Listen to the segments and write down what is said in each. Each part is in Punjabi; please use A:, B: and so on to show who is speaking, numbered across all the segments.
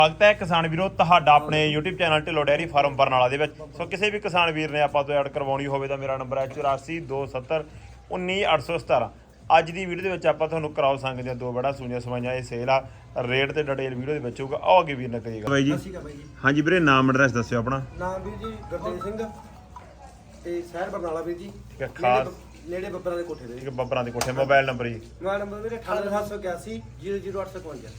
A: ਸਵਾਗਤ ਹੈ ਕਿਸਾਨ ਵੀਰੋ ਤੁਹਾਡਾ ਆਪਣੇ YouTube channel Dhillon dairy farm Barnala ਦੇ ਵਿੱਚ। ਸੋ ਕਿਸੇ ਵੀ ਕਿਸਾਨ ਵੀਰ ਨੇ ਆਪਾਂ ਤੋਂ ਐਡ ਕਰਵਾਉਣੀ ਹੋਵੇ ਤਾਂ ਮੇਰਾ ਨੰਬਰ ਹੈ 8427191817। ਅੱਜ ਦੀ ਵੀਡੀਓ ਦੇ ਵਿੱਚ ਆਪਾਂ ਤੁਹਾਨੂੰ ਕਰਾਓ ਸੰਗ ਦੀਆਂ ਦੋ ਬੜਾ ਸੂਈਆਂ ਸਵਾਈਆਂ ਇਹ ਸੇਲ ਆ ਰੇਟ ਤੇ ਡਿਟੇਲ ਵੀਡੀਓ ਦੇ ਵਿੱਚ ਹੋਊਗਾ। ਆਓ ਅੱਗੇ ਵੀਰ ਨਾ ਕਰੀਏਗਾ ਬਾਈ ਜੀ। ਹਾਂਜੀ ਵੀਰੇ ਨਾਮ ਐਡਰੈਸ ਦੱਸਿਓ ਆਪਣਾ।
B: ਨਾਮ ਵੀਰ ਜੀ ਗੁਰਤੇਜ ਸਿੰਘ ਤੇ ਸ਼ਹਿਰ ਬਰਨਾਲਾ ਵੀਰ ਜੀ।
A: ਠੀਕ ਹੈ ਖਾਸ
B: ਨੇੜੇ ਬੱਬਰਾਂ ਦੇ ਕੋਠੇ ਦੇ।
A: ਠੀਕ ਹੈ ਬੱਬਰਾਂ ਦੇ ਕੋਠੇ। ਮੋਬਾਈਲ ਨੰਬਰ ਜੀ
B: ਮੋਬਾਈਲ ਨੰਬਰ ਵੀਰੇ 98781 00855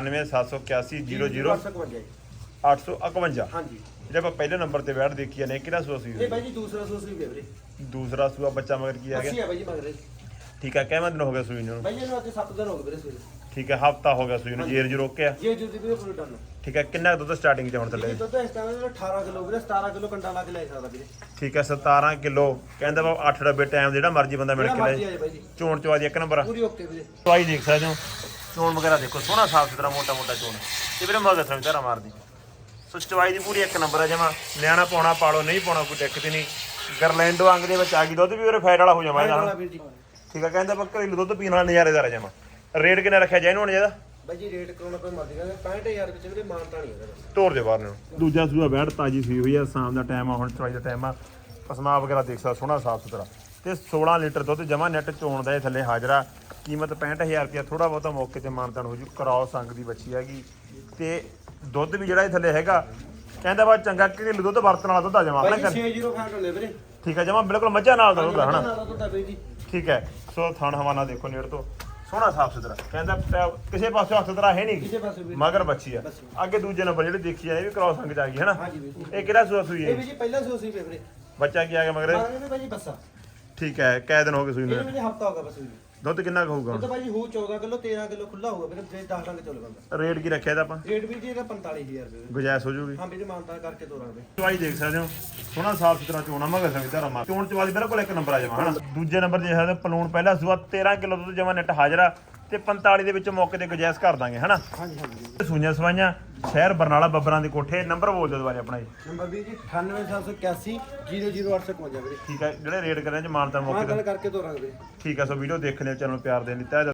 A: 98781 00855 ਹਾਂਜੀ। ਜਿਹੜੇ ਆਪਾਂ ਪਹਿਲੇ ਨੰਬਰ ਤੇ ਬੈਠ ਦੇਖੀ ਨੇ ਕਿਹੜਾ ਸੂਆ ਸੀ
B: ਇਹ ਬਾਈ ਜੀ ਦੂਸਰਾ ਸੂਆ ਸੀ ਵੀਰੇ।
A: ਦੂਸਰਾ ਸੂਆ ਬੱਚਾ ਮਗਰ ਕੀ ਆ ਗਿਆ?
B: ਅੱਛੀ ਆ ਬਾਈ ਜੀ ਮਗਰ।
A: ਠੀਕ ਹੈ ਕਿੰਨੇ ਦਿਨ ਹੋ ਗਏ ਸੂਈ ਨੂੰ?
B: ਬਾਈ ਇਹਨੂੰ ਅੱਜ 7 ਦਿਨ ਹੋ ਗਏ ਵੀਰੇ ਸੂਈ।
A: ਠੀਕ ਹੈ ਹਫਤਾ ਹੋ ਗਿਆ ਸੂਈ ਨੂੰ। ਜੇਰ ਜੀ ਰੋਕਿਆ?
B: ਜੇ ਜੀ ਵੀਰੇ ਪੂਰੀ ਡਨ।
A: ਠੀਕ ਹੈ ਕਿੰਨਾ ਦੁੱਧ ਸਟਾਰਟਿੰਗ ਤੇ ਹੁਣ ਥੱਲੇ?
B: ਦੁੱਧ ਇਸ ਟਾਈਮ 18 ਕਿਲੋ ਵੀਰੇ 17 ਕਿਲੋ ਕੰਡਾ ਲਾ ਕੇ ਲੈ ਸਕਦਾ ਵੀਰੇ।
A: ਠੀਕ ਹੈ 17 ਕਿਲੋ ਕਹਿੰਦਾ ਵਾ 8 ਡੱਬੇ ਟਾਈਮ ਜਿਹੜਾ ਮਰਜ਼ੀ ਬੰਦਾ ਮਿਲ ਕੇ ਲੈ। ਚੋਣ ਚਵਾਦੀ ਇੱਕ ਨੰਬਰ
B: ਪੂਰੀ ਓਕੇ ਵੀਰੇ।
A: ਚਵਾਈ ਦੇਖ ਸਕਦੇ ਹੋ। ਚੋਣ ਵਗੈਰਾ ਦੇਖੋ ਸੋਹਣਾ ਸਾਫ ਸੁਥਰਾ ਮੋਟਾ ਮੋਟਾ ਚੋਣ ਤੇ ਵੀਰੇ ਮਗਰ ਸਮਝ ਧਾਰਾ ਮਾਰਦੀ। ਸੋ ਚਵਾਈ ਦੀ ਪੂਰੀ ਇੱਕ ਨੰਬਰ ਹੈ ਜਮਾ। ਨਿਆਣਾ ਪਾਉਣਾ ਪਾਲੋ ਨਹੀਂ ਪਾਉਣਾ ਕੋਈ ਦਿੱਕਤ ਨਹੀਂ। ਗਰਲੈਂਡੋ ਅੰਗ ਦੇ ਵਿੱਚ ਆ ਗਈ ਦੁੱਧ ਵੀ ਵੀਰੇ ਫੈਟ ਵਾਲਾ ਹੋ ਜਾਵਾ ਇਹਦਾ। ਠੀਕ ਹੈ ਕਹਿੰਦਾ ਆਪਾਂ ਘਰੇਲੂ ਦੁੱਧ ਪੀਣ ਵਾਲਾ ਨਜ਼ਾਰੇਦਾਰ ਜਮਾ। ਰੇਟ ਕਿੰਨਾ ਰੱਖਿਆ ਜਾਏ ਇਹਨੂੰ ਜਿਹਦਾ?
B: ਬਾਈ ਜੀ ਰੇਟ ਕਰਾਉਣਾ ਕੋਈ ਮਰਜ਼ੀ ਕਹਿੰਦੇ 65000 ਵਿੱਚ ਵੀਰੇ ਮਾਨਤਾ ਨਹੀਂ ਹੈਗਾ।
A: ਤੋੜ ਦੇ ਬਾਹਰ ਨੂੰ। ਦੂਜਾ ਸੂਆ ਬੈਠ ਤਾਜੀ ਸੀ ਹੋਈ ਆ ਸ਼ਾਮ ਦਾ ਟਾਈਮ ਆ ਹੁਣ ਚਵਾਈ ਦਾ ਟਾਈਮ ਆ। ਪਸਮਾ ਵਗੈਰਾ ਦੇਖ ਸਕਦਾ ਸੋਹਣਾ ਸਾਫ ਸੁਥਰਾ ਤੇ 16 ਲੀਟਰ ਦੁੱਧ ਜਮਾ ਨੈਟ ਚੋਣ ਦਾ ਇਹ ਥੱਲੇ ਹਾਜ਼ਰਾ। ਕੀਮਤ 65000 ਰੁਪਇਆ। ਥੋੜਾ ਬਹੁਤਾ ਮੌਕੇ ਤੇ ਮਾਨਤਾਨ ਹੋ ਜੂ। ਕਰਾਓ ਸੰਗ ਦੀ ਬੱਚੀ ਹੈਗੀ ਤੇ ਦੁੱਧ ਵੀ ਜਿਹੜਾ ਇਹ ਥੱਲੇ ਹੈਗਾ ਕਹਿੰਦਾ ਵਾ ਚੰਗਾ ਘਰੇਲੂ ਦੁੱਧ ਵਰਤਣ ਵਾਲਾ ਦੁੱਧ ਆ ਜਮਾ ਆਪਣਾ।
B: 605 ਹੁੰਦੇ ਵੀਰੇ।
A: ਠੀਕ ਹੈ ਜਮਾ ਬਿਲਕੁਲ ਮੱਝਾਂ ਨਾਲ ਦਾ ਦੁੱਧ ਹਨਾ।
B: ਜੀ
A: ਠੀਕ ਹੈ ਸੋ ਥਣ ਹਵਾਨਾ ਦੇਖੋ ਨੇੜ ਤੋਂ ਸੋਹਣਾ ਸਾਫ ਸੁਥਰਾ ਕਹਿੰਦਾ ਕਿਸੇ ਪਾਸੇ ਹੱਥ ਸੁਥਰਾ ਹੈ ਨਹੀਂ ਮਗਰ ਬੱਚੀ ਆ। ਅੱਗੇ ਦੂਜੇ ਨੰਬਰ ਜਿਹੜੇ ਦੇਖੀ ਜਾਂਦੇ ਵੀ ਕ੍ਰਾਸ ਸੰਗ ਚ ਆ ਗਈ ਹੈ ਨਾ। ਇਹ ਕਿਹੜਾ ਸੂਆ ਸੂਈ ਹੈ?
B: ਇਹ ਵੀ ਜੀ ਪਹਿਲਾ ਸੂਆ ਸੂਈ ਵੀਰੇ।
A: ਬੱਚਾ ਕੀ ਆ ਗਿਆ ਮਗਰ?
B: ਇਹ ਭਾਜੀ ਬੱਸਾ।
A: ਠੀਕ ਹੈ ਕੈ ਦਿਨ ਹੋ ਗਏ ਸੂਈ ਨੂੰ?
B: ਇਹ ਵੀ ਹਫਤਾ ਹੋ ਗਿਆ ਬਸ।
A: ਦੁੱਧ ਕਿੰਨਾ ਹੋਊਗਾ?
B: ਦੁੱਧ ਭਾਜੀ ਹੋ 14 ਕਿਲੋ 13 ਕਿਲੋ ਖੁੱਲਾ ਹੋਊਗਾ ਵੀਰੇ। 10 ਡੰਗ ਚੱਲ ਬੰਦਾ।
A: ਰੇਟ ਕੀ ਰੱਖਿਆ ਇਹਦਾ ਆਪਾਂ?
B: ਰੇਟ ਵੀ ਜੀ ਇਹਦਾ 45000 ਰੁਪਏ।
A: ਗੁਜਾਇਸ਼ ਹੋ ਜੂਗੀ?
B: ਹਾਂ ਵੀਰੇ ਮਾਨਤਾ ਕਰਕੇ ਤੋਰਾਂਗੇ।
A: ਚਵਾਈ ਦੇਖ ਸਕਦੇ ਹੋ ਸੋਹਣਾ ਸਾਫ ਸੁਥਰਾ ਚੋਣਾ ਮਗਰ ਸੰਗ ਧਾਰਾ ਮਾਰ। ਚੋਣ ਚਵਾਈ ਬਿਲਕੁਲ ਇੱਕ ਨੰਬਰ ਆ ਜਾਵਾ ਹਨਾ। ਦੂਜੇ ਨੰਬਰ ਜੇ ਹੈ ਪਲੂਣ ਪਹਿਲਾ ਸੂਆ 13 ਕਿਲੋ ਦੁੱਧ ਜਮਾ ਨੈਟ ਹਾਜ਼ਰਾ ਤੇ 45 ਦੇ ਵਿੱਚ ਮੌਕੇ ਤੇ ਗੁਜਾਇਸ਼ ਕਰ ਦਾਂਗੇ ਹਨਾ।
B: ਹਾਂਜੀ ਹਾਂਜੀ।
A: ਸੂਈਆਂ ਸਵਾਈਆਂ ਸ਼ਹਿਰ ਬਰਨਾਲਾ ਬੱਬਰਾਂ ਦੇ ਕੋਠੇ। ਨੰਬਰ ਬੋਲ ਦਿਓ ਦੁਬਾਰੇ ਆਪਣਾ ਜੀ।
B: ਨੰਬਰ ਵੀ ਜੀ 98781 00855 ਵੀਰੇ।
A: ਠੀਕ ਹੈ ਜਿਹੜੇ ਰੇਟ ਕਰ ਰਹੇ ਚ ਮਾਨਤਾ ਮੌਕੇ ਤੇ
B: ਗੱਲ ਕਰਕੇ ਤੋਰਾਂਗੇ ਵੀਰੇ।
A: ਠੀਕ ਹੈ ਸੋ ਵੀਡੀਓ ਦੇਖਣ ਦੇ ਚੈਨਲ ਪਿਆਰ ਦੇਣ ਲਈ ਤਹਿ